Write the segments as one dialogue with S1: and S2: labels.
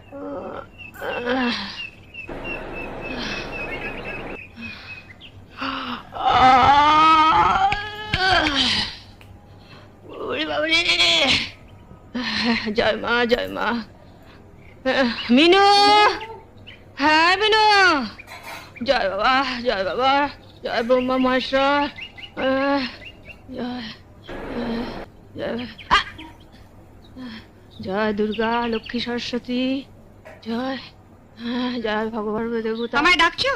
S1: জয় মা, জয় মা। মিনু, হ্যাঁ মিনু, জয় বাবা, জয় বাবা, জয় ব্রহ্মা মহেশ্বর, জয় জয় জয় দুর্গা লক্ষ্মী সরস্বতী, জয় জয় ভগবান দেবতা।
S2: আমায় ডাকছো?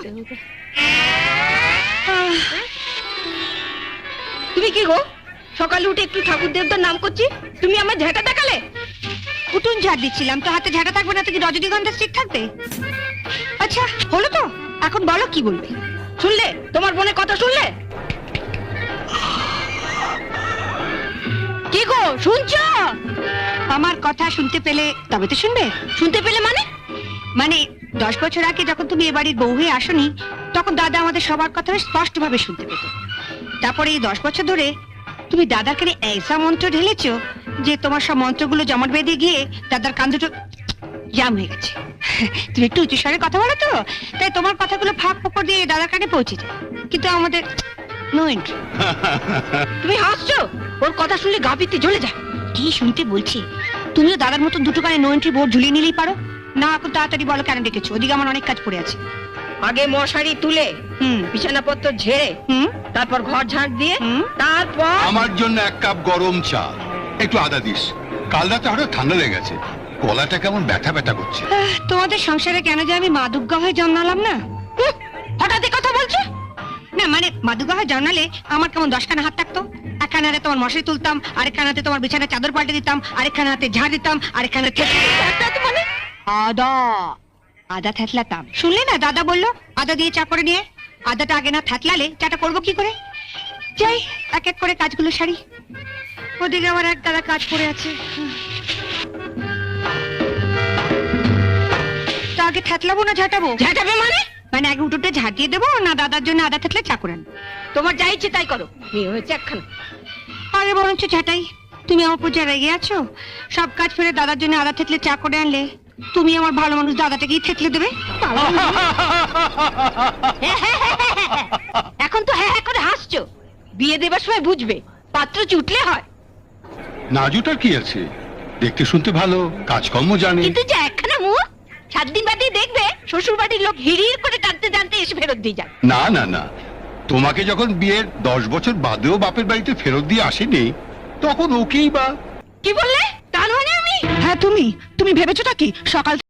S1: তুমি কি গো, সকালে উঠে একটু ঠাকুর দেবতার নাম করছি, তুমি আমার ঝাঁটা দেখালে?
S2: উঠুন ঝাড় দিচ্ছিলাম, তো হাতে ঝাঁটা থাকবে না তো কি রজনীগন্ধা স্টিক থাকবে? আচ্ছা হলো তো, এখন বলো কি বলবে।
S1: শুনলে তোমার বোনের কথা শুনলে? কি গো শুনছো?
S2: আমার কথা শুনতে পেলে তবে তো শুনবে।
S1: শুনতে পেলে মানে?
S2: মানে 10 বছর আগে যখন তুমি এ বাড়ির বউ হয়ে আসনি, তখন দাদা আমাদের সবার কথা স্পষ্ট ভাবে শুনতে পেত। তারপরে এই 10 বছর ধরে তুমি দাদার কানে ऐसा মন্ত্র ঢেলেছো যে তোমার সব মন্ত্রগুলো জমাট বেঁধে গিয়ে দাদার কান দুটো জাম হয়ে গেছে। তুমি একটু উঁচু স্বরে কথা বলো তো, তাই তোমার কথাগুলো ফাঁক ফোকর দিয়ে দাদার কানে পৌঁছে যায়, কিন্তু আমাদের নো এন্ট্রি।
S1: তুমি হাসছো? ওর কথা শুনলে গা পিত্তি জ্বলে যায়।
S2: কি শুনতে বলছি? তুমিও দাদার মতো দুটো কানে নো এন্ট্রি বোর্ড ঝুলিয়ে নিলেই পারো না। এখন তাড়াতাড়ি বলো কেন ডেকেছো? ওদিকে আমার অনেক কাজ পড়ে আছে।
S1: আগে মশারি তুলে, বিছানাপত্র ঝেড়ে, তারপর ঘর ঝাড় দিয়ে, তারপর
S3: আমার জন্য 1 কাপ গরম চা, একটু আদা দিস। কাল রাতে হঠাৎ ঠান্ডা লেগে গেছে, গলাটা কেমন ব্যথা ব্যথা করছে।
S2: তোমাদের সংসারে কেন যে আমি মা দুর্গা হয়ে জন্মালাম না?
S1: হঠাৎ কথা বলছো
S2: না, মানে মা দুর্গা হয়ে জন্মালে আমার কেমন 10খানা হাত থাকতো। একখানা হাতে তোমার মশারি তুলতাম, আরেকখানা হাতে তোমার বিছানার চাদর পাল্টে দিতাম, আরেকখানা হাতে ঝাড় দিতাম, আরেকখানা
S1: মানে?
S2: আদা আদা থেতলাতাম। শুনলে না, দাদা বললো আদা দিয়ে চা করে নিয়ে। আদাটা আগে না থেতলালে চাটা করবো কি করে? যাই এক এক করে কাজগুলো সারি। ওদিকে আমার এক দাদা কাজ পড়ে আছে। তা আগে থেতলাবো না ঝাঁটাবো?
S1: ঝাঁটাবে মানে?
S2: মানে আগে উঠোতে ঝাঁট দিয়ে দেবো না দাদার জন্য আদা থেতলে চা করে আনবো?
S1: তোমার যা ইচ্ছে তাই করো, মেয়ে হয়েছে একখানা।
S2: আগে বরঞ্চ ঝাঁটাই। তুমি আমার পূজা রেগে আছো? সব কাজ ফেলে দাদার জন্য আদা থেতলে চা করে আনলে তুমি আমার ভালো মানুষ দাদাটাকেই থেতলে দেবে।
S1: এখন তো হ্যাঁ হ্যাঁ করে হাসছো, বিয়ে দেবার সময় বুঝবে পাত্র জুটলে হয়।
S3: না জুটার কি আছে, দেখতে শুনতে ভালো, কাজকর্ম জানে।
S1: কিন্তু যে একখানা মুখ, 7 দিন বাদে দেখবে শ্বশুর বাড়ির লোক হিড়ির করে টানতে টানতে এসে ফেরত দিয়ে যায়।
S3: না না না, তোমাকে যখন বিয়ের 10 বছর বাদেও বাপের বাড়িতে ফেরত দিয়ে আসেনি, তখন ওকেই বা।
S1: কি বললে? তার মানে আমি?
S2: হ্যাঁ তুমি ভেবেছোটা কি সকাল